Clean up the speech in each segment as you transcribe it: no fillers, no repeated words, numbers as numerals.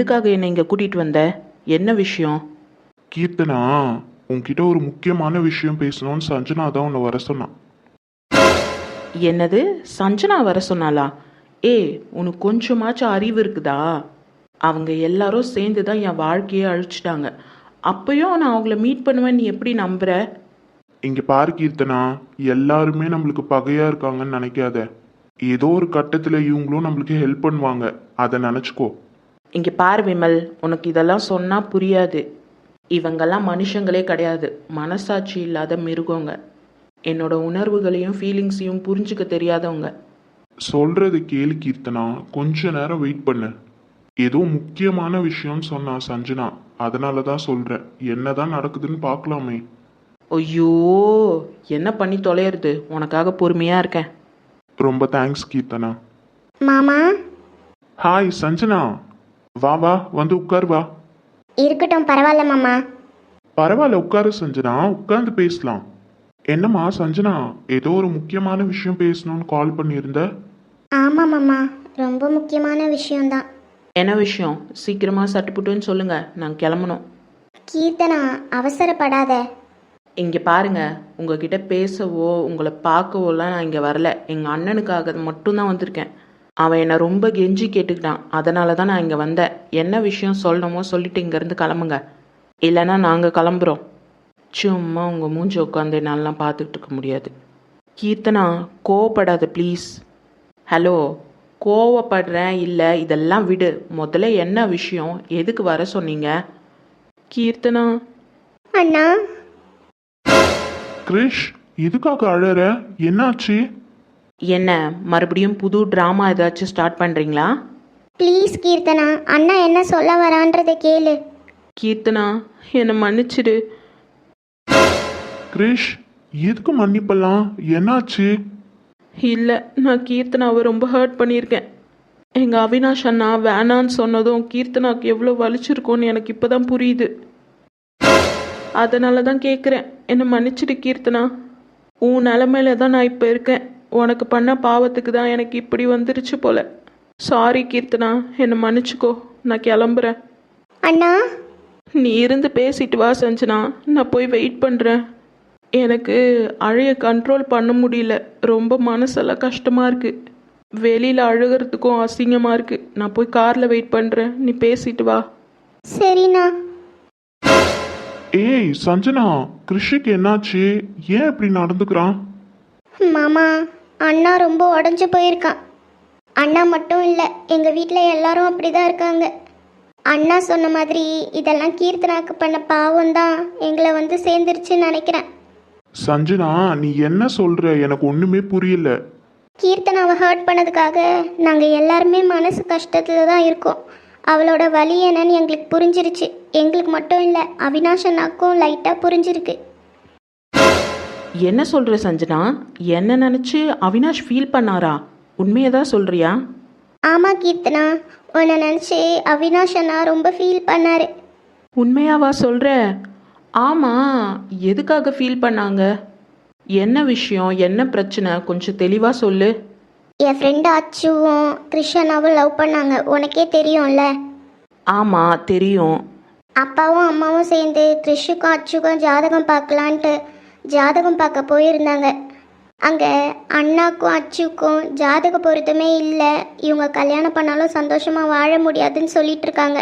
எதுக்காக என்னை இங்கே கூட்டிகிட்டு வந்த? என்ன விஷயம்? கீர்த்தனா, உன்கிட்ட ஒரு முக்கியமான விஷயம் பேசணும்னு சஞ்சனா தான் உன்னை வர சொன்னான். என்னது? சஞ்சனா வர சொன்னாளா? உனக்கு கொஞ்சமாச்சும் அறிவு இருக்குதா? அவங்க எல்லாரும் சேர்ந்து தான் என் வாழ்க்கையை அழிச்சிட்டாங்க. அப்பயும் நான் அவங்கள மீட் பண்ணுவேன் நீ எப்படி நம்புற? இங்க பாரு கீர்த்தனா, எல்லாருமே நம்மளுக்கு பகையா இருக்காங்கன்னு நினைக்காத. ஏதோ ஒரு கட்டத்துல இவங்களும் நம்மளுக்கு ஹெல்ப் பண்ணுவாங்க, அதை நினைச்சுக்கோ. இங்கே பாரு விமல், உனக்கு இதெல்லாம் சொன்னால் புரியாது. இவங்கெல்லாம் மனுஷங்களே கிடையாது, மனசாட்சி இல்லாத மிருகங்க. என்னோட உணர்வுகளையும் ஃபீலிங்ஸையும் புரிஞ்சுக்க தெரியாதவங்க. சொல்றது கேளு கீர்த்தனா, கொஞ்ச நேரம் வெயிட் பண்ணு. ஏதோ முக்கியமான விஷயம்னு சொன்னா சஞ்சனா, அதனால தான் சொல்றேன். என்னதான் நடக்குதுன்னு பார்க்கலாமே. ஐயோ, என்ன பண்ணி தொலையிறது? உனக்காக பொறுமையாக இருக்கேன். ரொம்ப தேங்க்ஸ் கீர்த்தனா. மாமா. ஹாய் சஞ்சனா, வா வா, வந்து உட்கார் வா. இருக்கட்டும், பரவாயில்ல மாமா. பரவாயில்ல, உட்காரு சஞ்சனா, உட்கார்ந்து பேசலாம். என்னம்மா சஞ்சனா, ஏதோ ஒரு முக்கியமான விஷயம் பேசணும்னு கால் பண்ணியிருந்த? ஆமாம் மாமா, ரொம்ப முக்கியமான விஷயம்தான். என்ன விஷயம்? சீக்கிரமாக சட்டுப்புட்டுன்னு சொல்லுங்க, நான் கிளம்பணும். கீர்த்தனா, அவசரப்படாத. இங்கே பாருங்க, உங்ககிட்ட பேசவோ உங்களை பார்க்கவோலாம் நான் இங்கே வரல. எங்கள் அண்ணனுக்காக மட்டும்தான் வந்திருக்கேன். அவன் என்னை ரொம்ப கெஞ்சி கேட்டுக்கிட்டான், அதனால தான் நான் இங்கே வந்தேன். என்ன விஷயம் சொல்லணுமோ சொல்லிட்டு இங்கேருந்து கிளம்புங்க, இல்லைன்னா நாங்கள் கிளம்புறோம். சும்மா உங்கள் மூஞ்சி உட்காந்து என்னாலலாம் பார்த்துக்கிட்டு இருக்க முடியாது. கீர்த்தனா, கோவப்படாத ப்ளீஸ். ஹலோ, கோவப்படுறேன் இல்லை, இதெல்லாம் விடு. முதல்ல என்ன விஷயம்? எதுக்கு வர சொன்னீங்க? கீர்த்தனா. அண்ணா. கிரிஷ், எதுக்காக அழற? என்னாச்சு? என்ன மறுபடியும் புது ட்ராமா ஏதாச்சும் ஸ்டார்ட் பண்ணுறீங்களா? ப்ளீஸ் கீர்த்தனா, அண்ணா என்ன சொல்ல வரான்றதை கேளு. கீர்த்தனா, என்னை மன்னிச்சிடு. கிரிஷ், எதுக்கு மன்னிப்பெல்லாம்? என்னாச்சு? இல்லை, நான் கீர்த்தனாவை ரொம்ப ஹர்ட் பண்ணியிருக்கேன். எங்கள் அவினாஷ் அண்ணா வேணான்னு சொன்னதும் கீர்த்தனாவுக்கு எவ்வளோ வலிச்சிருக்கோன்னு எனக்கு இப்போ தான் புரியுது. அதனால தான் கேட்குறேன், என்னை மன்னிச்சிடு கீர்த்தனா. உன் நிலமையில தான் நான் இப்போ இருக்கேன். உனக்கு பண்ண பாவத்துக்கு தான் எனக்கு இப்படி வந்துருச்சு போல. சாரி கீர்த்தனா, என்னை மன்னிச்சுக்கோ. நான் கிளம்புறேன். அண்ணா. நீ இருந்து பேசிட்டு வா சஞ்சனா, நான் போய் வெயிட் பண்ணுறேன். எனக்கு அழைய கண்ட்ரோல் பண்ண முடியல, ரொம்ப மனசெல்லாம் கஷ்டமாக இருக்குது. வெளியில் அழுகிறதுக்கும் அசிங்கமாக இருக்குது. நான் போய் காரில் வெயிட் பண்ணுறேன், நீ பேசிட்டு வா. சரிண்ணா. ஏய் சஞ்சனா, கிரிஷுக்கு என்னாச்சு? ஏன் இப்படி நடந்துக்கிறான்? மாமா, அண்ணா ரொம்ப உடஞ்சி போயிருக்கான். அண்ணா மட்டும் இல்லை, எங்கள் வீட்டில் எல்லாரும் அப்படி தான் இருக்காங்க. அண்ணா சொன்ன மாதிரி இதெல்லாம் கீர்த்தனாக்கு பண்ண பாவம் தான் எங்களை வந்து சேர்ந்துருச்சுன்னு நினைக்கிறேன். சஞ்சனா, நீ என்ன சொல்ற? எனக்கு ஒண்ணுமே புரியல. கீர்த்தனாவை ஹர்ட் பண்ணதுக்காக நாங்கள் எல்லாருமே மனசு கஷ்டத்தில் தான் இருக்கோம். அவளோட வலி என்னன்னு எங்களுக்கு புரிஞ்சிருச்சு. எங்களுக்கு மட்டும் இல்லை, அவினாஷ் அண்ணாக்கும் லைட்டாக புரிஞ்சிருக்கு. என்ன சொல்கிற சஞ்சனா? என்ன நினச்சி அவினாஷ் ஃபீல் பண்ணாரா? உண்மையை தான் சொல்கிறியா? ஆமாம் கீர்த்தனா, உன்னை நினச்சி அவினாஷ் அண்ணா ரொம்ப ஃபீல் பண்ணார். உண்மையாவா சொல்கிற? ஆமாம், எதுக்காக ஃபீல் பண்ணாங்க? என்ன விஷயம், என்ன பிரச்சனை? கொஞ்சம் தெளிவாக சொல்லு. என் ஃப்ரெண்டு அச்சுவும் கிருஷ்ணாவும் லவ் பண்ணாங்க, உனக்கே தெரியும்ல. ஆமாம் தெரியும். அப்பாவும் அம்மாவும் சேர்ந்து கிருஷுக்கும் அச்சுக்கும் ஜாதகம் பார்க்கலான்ட்டு ஜாதகம் பார்க்க போயிருந்தாங்க. அங்கே அண்ணாக்கும் அச்சுக்கும் ஜாதக பொருத்தமே இல்லை, இவங்க கல்யாணம் பண்ணாலும் சந்தோஷமாக வாழ முடியாதுன்னு சொல்லிட்டு இருக்காங்க.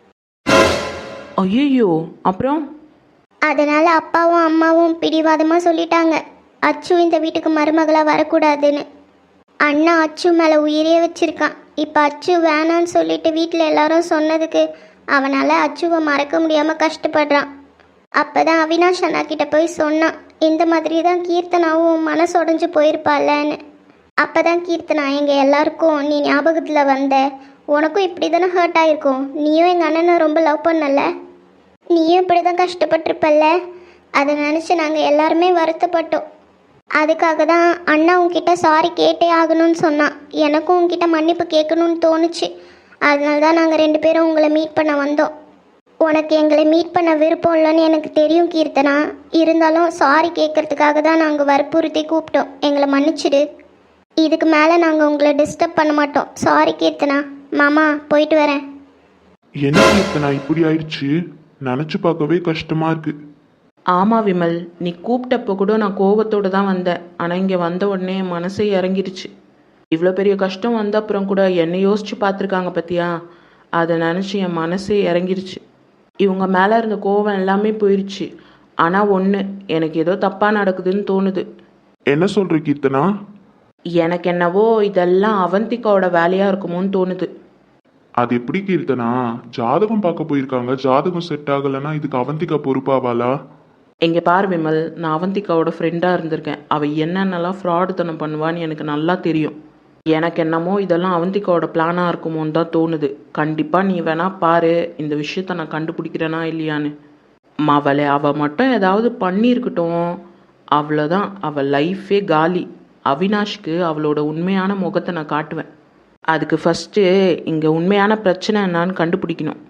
ஐயோ, அப்புறம்? அதனால் அப்பாவும் அம்மாவும் பிடிவாதமாக சொல்லிட்டாங்க, அச்சு இந்த வீட்டுக்கு மருமகளாக வரக்கூடாதுன்னு. அண்ணா அச்சு மேலே உயிரே வச்சிருக்கான். இப்போ அச்சு வேணான்னு சொல்லிட்டு வீட்டில் எல்லாரும் சொன்னதுக்கு அவனால் அச்சுவை மறக்க முடியாமல் கஷ்டப்படுறான். அப்போ தான் அவினாஷ் அண்ணா கிட்ட போய் சொன்னான், இந்த மாதிரி தான் கீர்த்தனாவும் மனசு உடஞ்சி போயிருப்பாள்லன்னு. அப்போ தான் கீர்த்தனா, எங்கள் எல்லாருக்கும் நீ ஞாபகத்தில் வந்த, உனக்கும் இப்படி தானே ஹர்ட் ஆகிருக்கும். நீயும் எங்கள் அண்ணனை ரொம்ப லவ் பண்ணல, நீயும் இப்படி தான் கஷ்டப்பட்டிருப்பல்ல. அதை நினச்சி நாங்கள் எல்லாருமே வருத்தப்பட்டோம். அதுக்காக தான் அண்ணா உங்ககிட்ட சாரி கேட்டே ஆகணும்னு சொன்னான். எனக்கும் உங்ககிட்ட மன்னிப்பு கேட்கணும்னு தோணுச்சு. அதனால தான் நாங்கள் 2 பேரும் உங்களை மீட் பண்ண வந்தோம். உனக்கு எங்களை மீட் பண்ண விருப்பம் இல்லைன்னு எனக்கு தெரியும் கீர்த்தனா. இருந்தாலும் சாரி கேட்கறதுக்காக தான் நாங்கள் வற்புறுத்தி கூப்பிட்டோம். எங்களை மன்னிச்சிடு. இதுக்கு மேலே நாங்கள் உங்களை டிஸ்டர்ப் பண்ண மாட்டோம். சாரி கீர்த்தனா. மாமா, போயிட்டு வரேன். என்ன கீர்த்தனா இப்படி ஆயிடுச்சு? நினைச்சு பார்க்கவே கஷ்டமா இருக்கு. ஆமாம் விமல், நீ கூப்பிட்டப்போ கூட நான் கோவத்தோடு தான் வந்தேன். ஆனால் இங்கே வந்த உடனே என் மனசே இறங்கிருச்சு. இவ்வளோ பெரிய கஷ்டம் வந்த அப்புறம் கூட என்னை யோசிச்சு பார்த்துருக்காங்க பத்தியா, அதை நினச்சி என் மனசே இறங்கிருச்சு. இவங்க மேலே இருந்த கோவம் எல்லாமே போயிடுச்சு. ஆனால் ஒன்று, எனக்கு ஏதோ தப்பாக நடக்குதுன்னு தோணுது. என்ன சொல்ற கீர்த்தனா? எனக்கு என்னவோ இதெல்லாம் அவந்திகாவோட வேலையாக இருக்குமோன்னு தோணுது. அது எப்படி கீர்த்தனா? ஜாதகம் பார்க்க போயிருக்காங்க, ஜாதகம் செட் ஆகலைன்னா இதுக்கு அவந்திகா பொறுப்பாவாளா? இங்கே பாரு விமல், நான் அவந்திகாவோட ஃப்ரெண்டாக இருந்திருக்கேன். அவள் என்னென்னலாம் ஃப்ராடுத்தனம் பண்ணுவான்னு எனக்கு நல்லா தெரியும். எனக்கு என்னமோ இதெல்லாம் அவந்திகாவோட பிளானாக இருக்குமோன்னு தான் தோணுது. கண்டிப்பாக நீ வேணா பாரு, இந்த விஷயத்த நான் கண்டுபிடிக்கிறேனா இல்லையான்னு. அவள் மட்டும் ஏதாவது பண்ணியிருக்கட்டும், அவ்வளோதான், அவள் லைஃபே காலி. அவினாஷ்க்கு அவளோட உண்மையான முகத்தை நான் காட்டுவேன். அதுக்கு ஃபஸ்ட்டு இங்கே உண்மையான பிரச்சனை என்னான்னு கண்டுபிடிக்கணும்.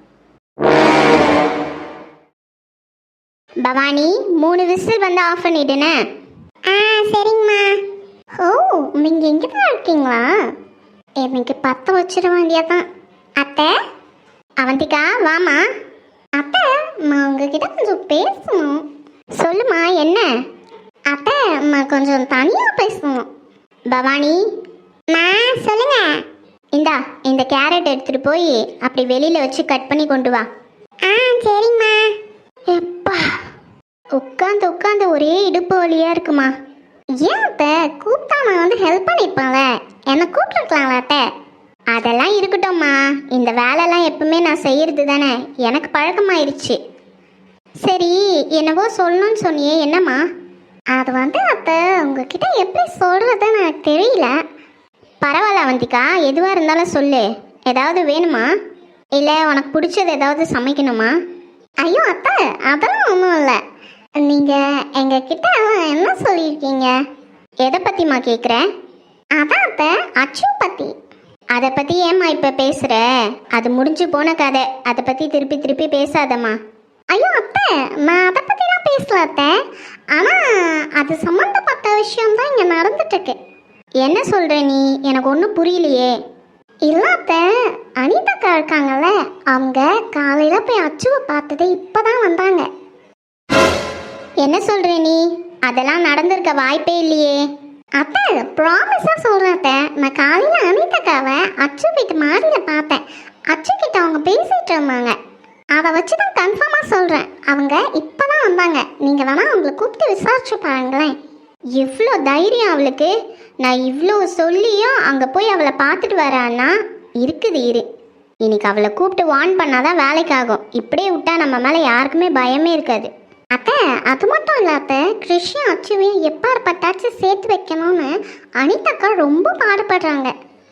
பவானி 3 விசில் வந்து ஆஃப் பண்ணிடுனே. சரிங்கம்மா. ஓ, நீங்க எங்க தான் இருக்கீங்களா? எனக்கு 10 வச்சிட வேண்டியதான். அத்தை, அவந்திகா வாமா. அத்தை, நான் உங்ககிட்ட கொஞ்சம் பேசணும். சொல்லுமா, என்ன? அத்தை, நான் கொஞ்சம் தனியா பேசணும். பவானி சொல்லுங்க. இந்தா, இந்த கேரட் எடுத்துட்டு போய் அப்படி வெளியில வச்சு கட் பண்ணி கொண்டு வா. சரிம்மா. எப்பா, உட்காந்து உட்காந்து ஒரே இடுப்பு வலியா இருக்குமா. ஏன் அத்தை, கூப்பிட்டா நான் வந்து ஹெல்ப் பண்ணிருப்பாங்க, என்னை கூப்பிட்டுருக்கலாம்ல அத்தை. அதெல்லாம் இருக்கட்டும்மா, இந்த வேலைலாம் எப்பவுமே நான் செய்யறது தானே, எனக்கு பழக்கமாயிருச்சு. சரி, என்னவோ சொல்லணும்னு சொன்னியே, என்னம்மா? அது வந்து அத்தை, உங்ககிட்ட எப்படி சொல்றதுன்னு எனக்கு தெரியல. பரவாயில்ல அவந்திகா, எதுவாக இருந்தாலும் சொல்லு. ஏதாவது வேணுமா? இல்லை உனக்கு பிடிச்சது ஏதாவது சமைக்கணுமா? ஐயோ அத்தை, அதெல்லாம் ஒன்றும் இல்லை. நீங்கள் எங்ககிட்ட என்ன சொல்லியிருக்கீங்க? எதை பற்றிம்மா கேட்குறேன்? அதான் அத்தை, அச்சு பற்றி. அதை பற்றி ஏம்மா இப்போ பேசுகிற? அது முடிஞ்சு போன கதை, அதை பற்றி திருப்பி திருப்பி பேசாதம்மா. ஐயோ அத்தை, நான் அதை பற்றிலாம் பேசல அத்தை. ஆனால் அது சம்மந்தப்பட்ட விஷயம்தான் இங்கே நடந்துட்டுருக்கு. என்ன சொல்கிற நீ? எனக்கு ஒன்றும் புரியலையே. இல்லாத்த அனிதாக்கா இருக்காங்கல்ல, அவங்க காலையில் போய் அச்சுவை பார்த்தது இப்போ தான் வந்தாங்க. என்ன சொல்கிற நீ? அதெல்லாம் நடந்திருக்க வாய்ப்பே இல்லையே. அத்தை, ப்ராமிஸாக சொல்கிறேன் அத்தை, நான் காலையில் அனிதாக்காவை அச்சு வீட்டு மாடியில் பார்த்தேன். அச்சு கிட்ட அவங்க பேசிகிட்டு இருந்தாங்க. அதை வச்சு தான் கன்ஃபார்மாக சொல்கிறேன், அவங்க இப்போ தான் வந்தாங்க. நீங்கள் வேணால் அவங்கள கூப்பிட்டு விசாரிச்சு பாருங்களேன். எவ்வளோ தைரியம் அவளுக்கு! நான் இவ்வளோ சொல்லியும் அங்கே போய் அவளை பார்த்துட்டு வரான்னா இருக்குது. இன்னைக்கு அவளை கூப்பிட்டு வார்ன் பண்ணாதான் வேலைக்கு ஆகும். இப்படியே விட்டா நம்ம மேலே யாருக்குமே பயமே இருக்காது. அத்தை, அது மட்டும் இல்லை அத்தை, கிருஷ்ணன் அச்சுவையும் எப்பாற்பட்டாச்சும் சேர்த்து வைக்கணும்னு அனிதாக்கா ரொம்ப பாடுபடுறாங்க.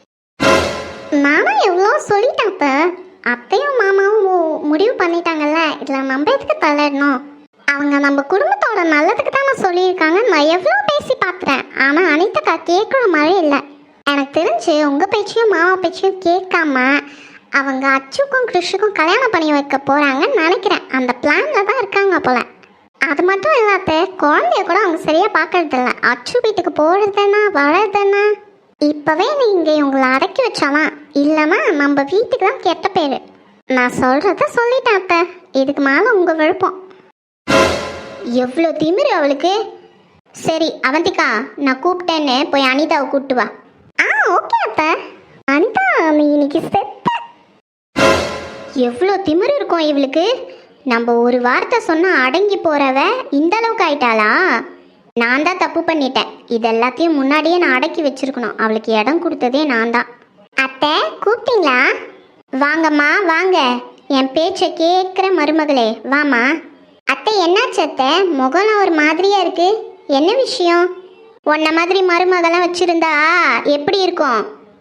நானும் எவ்வளோ சொல்லிட்டேன் அத்தை. அத்தையும் மாமாவும் முடிவு பண்ணிட்டாங்கல்ல, இதில் நம்ம எதுக்கு தலையிடணும்? அவங்க நம்ம குடும்பத்தோட நல்லதுக்கு தான் நான் சொல்லியிருக்காங்க. நான் எவ்வளோ பேசி பார்த்துறேன், ஆனால் அனிதாக்கா கேட்குற மாதிரி இல்லை. எனக்கு தெரிஞ்சு உங்கள் பேச்சையும் மாமா பேச்சையும் கேட்காம அவங்க அச்சுக்கும் கிருஷுக்கும் கல்யாணம் பண்ணி வைக்க போகிறாங்கன்னு நினைக்கிறேன். அந்த பிளானில் தான் இருக்காங்க போல. அது மட்டும் இல்லாத குழந்தைய கூட அவங்க சரியாக பார்க்கறதில்ல. அச்சு வீட்டுக்கு போகிறதுன்னா வர்றதுன்னா இப்போவே நீங்கள் இவங்களை அடக்கி வச்சாலாம், இல்லைன்னா நம்ம வீட்டுக்கு தான் கெட்ட பேர். நான் சொல்கிறத சொல்லிட்டேன் அத்தை, இதுக்கு மேலே உங்கள் விருப்பம். எவ்வளோ திமிரு அவளுக்கு! சரி அவந்திகா, நான் கூப்பிட்டேன்னு போய் அனிதாவை கூப்பிட்டு வா. ஓகே அத்தை. அனிதா, நீ இன்னைக்கு செத்த. எவ்வளோ திமிரு இருக்கும் இவளுக்கு! நம்ம ஒரு வார்த்தை சொன்னால் அடங்கி போகிறவ இந்த அளவுக்கு ஆயிட்டாளா? நான் தான் தப்பு பண்ணிட்டேன். இது எல்லாத்தையும் முன்னாடியே நான் அடக்கி வச்சிருக்கணும். அவளுக்கு இடம் கொடுத்ததே நான் தான். அத்தை, கூப்பிட்டீங்களா? வாங்கம்மா வாங்க, என் பேச்சை கேட்குற மருமகளே, வாமா. அத்தை, என்னாச்சு அத்தை? முகம்லாம் ஒரு மாதிரியா இருக்கு, என்ன விஷயம்? உன்ன மாதிரி மருமகளாம் வச்சிருந்தா எப்படி இருக்கும்?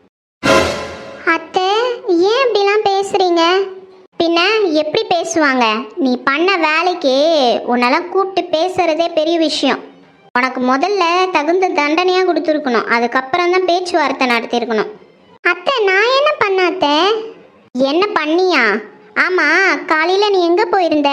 அத்தை, ஏன் இப்படிலாம் பேசுறீங்க? பின்ன எப்படி பேசுவாங்க? நீ பண்ண வேலைக்கு உன்னெல்லாம் கூப்பிட்டு பேசுறதே பெரிய விஷயம். உனக்கு முதல்ல தகுந்த தண்டனையாக கொடுத்துருக்கணும், அதுக்கப்புறம் தான் பேச்சுவார்த்தை நடத்தியிருக்கணும். அத்தை, நான் என்ன பண்ண அத்தை? என்ன பண்ணியா? ஆமாம், காலையில் நீ எங்கே போயிருந்த?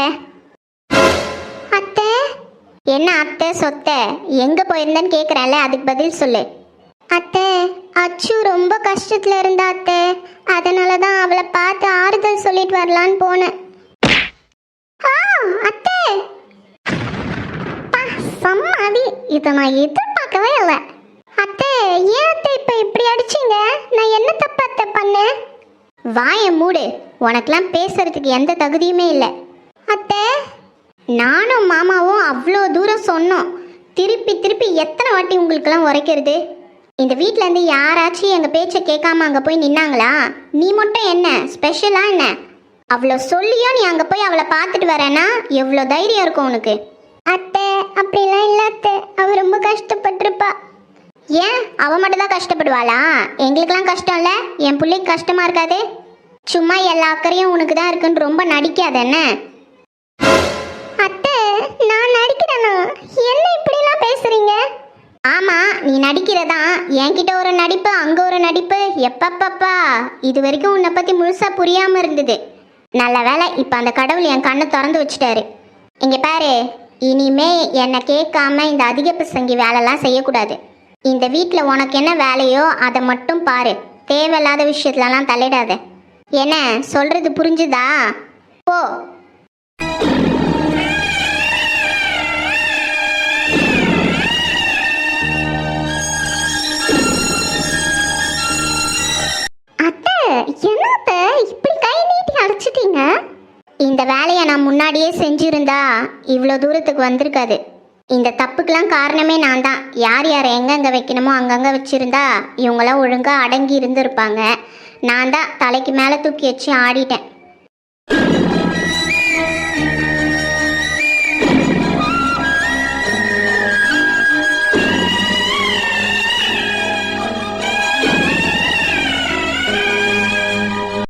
அத்தை, என்ன அத்தை சொத்தை? எங்கே போயிருந்தேன்னு கேட்குறேன்ல, அதுக்கு பதில் சொல்லு. அத்தை, அச்சு ரொம்ப கஷ்டத்துல இருந்தா அத்தை, அதனால தான் அவளை பார்த்து ஆறுதல் சொல்லிட்டு வரலான்னு போனேன். அத்தை சம்மாதி, இதை நான் எதிர்பார்க்கவே இல்லை. அத்தை ஏன் அத்தை இப்ப இப்படி அடிச்சீங்க? நான் என்ன தப்பு அத்தை பண்ணேன்? வாயை மூடு, உனக்கெல்லாம் பேசுறதுக்கு எந்த தகுதியுமே இல்லை. அத்தை நானும் மாமாவும் அவ்வளோ தூரம் சொன்னோம், திருப்பி திருப்பி எத்தனை வாட்டி உங்களுக்கெல்லாம் உரைக்கிறது? இந்த வீட்டிலேருந்து யாராச்சும் எங்கள் பேச்சை கேட்காம அங்கே போய் நின்னாங்களா? நீ மட்டும் என்ன ஸ்பெஷலா என்ன? அவ்வளோ சொல்லியும் நீ அங்கே போய் அவளை பார்த்துட்டு வரேன்னா எவ்வளோ தைரியம் இருக்கும் உனக்கு? அத்தை அப்படிலாம் இல்லை அத்தை, அவ ரொம்ப கஷ்டப்பட்டிருப்பா. ஏன் அவ மட்டும் தான் கஷ்டப்படுவாளா? எங்களுக்கெல்லாம் கஷ்டம் இல்லை, என் பிள்ளைக்கு கஷ்டமா இருக்காது. சும்மா எல்லா அக்கறையும் உனக்கு தான் இருக்குன்னு ரொம்ப நடிக்காத என்ன? அத்தை நான் நடிக்கிறேனா? என்ன இப்படிலாம் பேசுறீங்க? ஆமா நீ நடிக்கிறதா, என்கிட்ட ஒரு நடிப்பு அங்க ஒரு நடிப்பு, எப்பப்பப்பா இது வரைக்கும் உன்னை பத்தி முழுசா புரியாம இருந்தது. நல்ல வேலை இப்ப அந்த கடவுள் என் கண்ணை திறந்து வச்சுட்டாரு. இங்க பாரு, இனிமே என்னை கேட்காம இந்த அதிக பிரசங்கி வேலைலாம் செய்யக்கூடாது. இந்த வீட்டில் உனக்கு என்ன வேலையோ அதை மட்டும் பாரு, தேவையில்லாத விஷயத்துலலாம் தலையிடாத. என்ன சொல்றது புரிஞ்சுதா? போ. அத்தை என்னத்த இப்படி கை நீட்டி அழைச்சிட்டீங்க? இந்த வேலையை நான் முன்னாடியே செஞ்சிருந்தா இவ்வளோ தூரத்துக்கு வந்திருக்காது. இந்த தப்புக்கெல்லாம் காரணமே நான் தான். யார் யார் எங்கெங்கே வைக்கணுமோ அங்கங்கே வச்சுருந்தா இவங்களாம் ஒழுங்காக அடங்கி இருந்திருப்பாங்க. நான் தான் தலைக்கு மேலே தூக்கி வச்சு ஆடிட்டேன்.